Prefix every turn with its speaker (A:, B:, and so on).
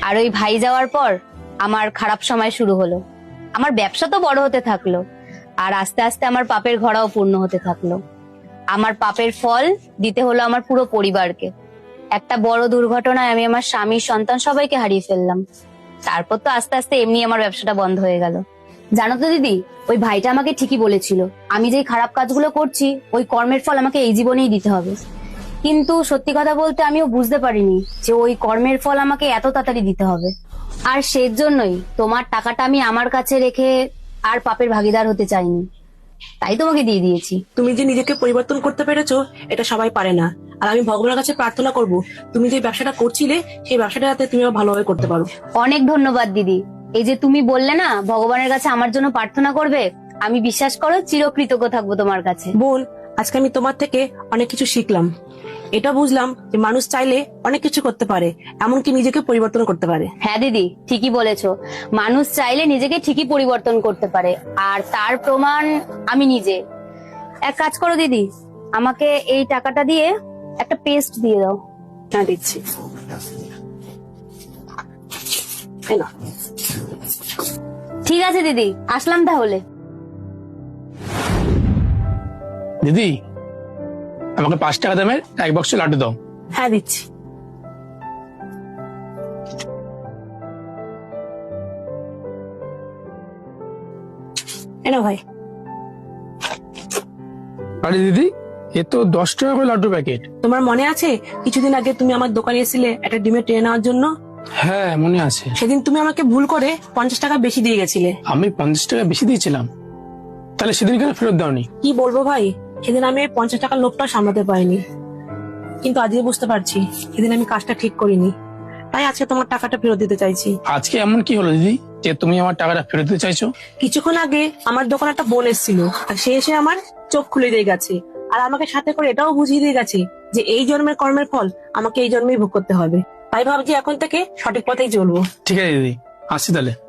A: আর ওই ভাই যাওয়ার পর আমার খারাপ সময় শুরু হলো। আমার ব্যবসা তো বড় হতে থাকলো, আর আস্তে আস্তে আমার পাপের ঘোড়াও পূর্ণ হতে থাকলো। আমার পাপের ফল দিতে হলো আমার পুরো পরিবারকে। একটা বড় দুর্ঘটনায় আমি আমার স্বামী, সন্তান সবাইকে হারিয়ে ফেললাম। তারপর তো আস্তে আস্তে এমনি আমার ব্যবসাটা বন্ধ হয়ে গেল। জানো তো দিদি, ওই ভাইটা আমাকে ঠিকই বলেছিল, আমি যেই খারাপ কাজগুলো করছি ওই কর্মের ফল আমাকে এই জীবনেই দিতে হবে। কিন্তু সত্যি কথা বলতে আমিও বুঝতে পারিনি যে ওই কর্মের ফল আমাকে এত তাড়াতাড়ি দিতে হবে। আর সেজন্যই তোমার টাকাটা আমি আমার কাছে রেখে আর পাপের ভাগিদার হতে চাইনি, তাই তোমাকে দিয়ে দিয়েছি।
B: তুমি যে নিজেকে পরিবর্তন করতে পেরেছো এটা সবাই পারে না। আর আমি ভগবানের কাছে প্রার্থনা করব তুমি যে ব্যবসাটা করছিলে সেই ব্যবসাটা যাতে তুমি ভালোভাবে করতে পারো।
A: অনেক ধন্যবাদ দিদি। এই যে তুমি বললে না ভগবানের কাছে আমার জন্য প্রার্থনা করবে, আমি বিশ্বাস করো চিরকৃতজ্ঞ থাকবো তোমার কাছে।
B: বোন, আজকে আমি তোমার থেকে অনেক কিছু শিখলাম। এটা বুঝলাম যে মানুষ চাইলে অনেক কিছু করতে পারে, এমনকি নিজেকে পরিবর্তন করতে পারে।
A: হ্যাঁ দিদি, ঠিকই বলেছো। মানুষ চাইলে নিজেকে ঠিকই পরিবর্তন করতে পারে, আর তার প্রমাণ আমি নিজে। এক কাজ করো দিদি, আমাকে এই টাকাটা দিয়ে একটা পেস্ট দিয়ে দাও।
B: হ্যাঁ, দিচ্ছি। এই নাও।
A: ঠিক আছে দিদি, আসলাম তাহলে।
C: দিদি, আমাকে 5 টাকা দামের এক বক্স লাড্ডু দাও।
B: হ্যাঁ, দিচ্ছি। এনো ভাই।
C: আরে দিদি, এ তো 10 টাকা করে লাড্ডু প্যাকেট।
B: তোমার মনে আছে কিছুদিন আগে তুমি আমার দোকানে এসেছিলে একটা ডিমের ট্রে নেওয়ার জন্য?
C: হ্যাঁ, মনে আছে।
B: সেদিন তুমি আমাকে ভুল করে 50 টাকা বেশি দিয়ে গেছিলে।
C: আমি 50 টাকা বেশি দিয়েছিলাম, তাহলে সেদিন কেন ফেরত দাওনি?
B: কি বলবো ভাই, সেদিন আমি 50 টাকার লোভটা সামলাতে পারিনি। কিন্তু আজকে বুঝতে পারছি সেদিন আমি কাজটা ঠিক করিনি, তাই আজকে তোমার টাকাটা ফেরত দিতে চাইছি।
C: আজকে এমন কি হলো দিদি যে তুমি আমার টাকাটা ফেরত দিতে চাইছো?
B: কিছুক্ষণ আগে আমার দোকানে একটা বোন এসেছিল, আর সে এসে আমার চোখ খুলে দিয়ে গেছে, আর আমাকে সাথে করে এটাও বুঝিয়ে দিয়ে গেছে যে এই জন্মের কর্মের ফল আমাকে এই জন্মেই ভোগ করতে হবে। তাই ভাবছি এখন থেকে সঠিক পথেই চলবো।
C: ঠিক আছে দিদি, আসছি তাহলে।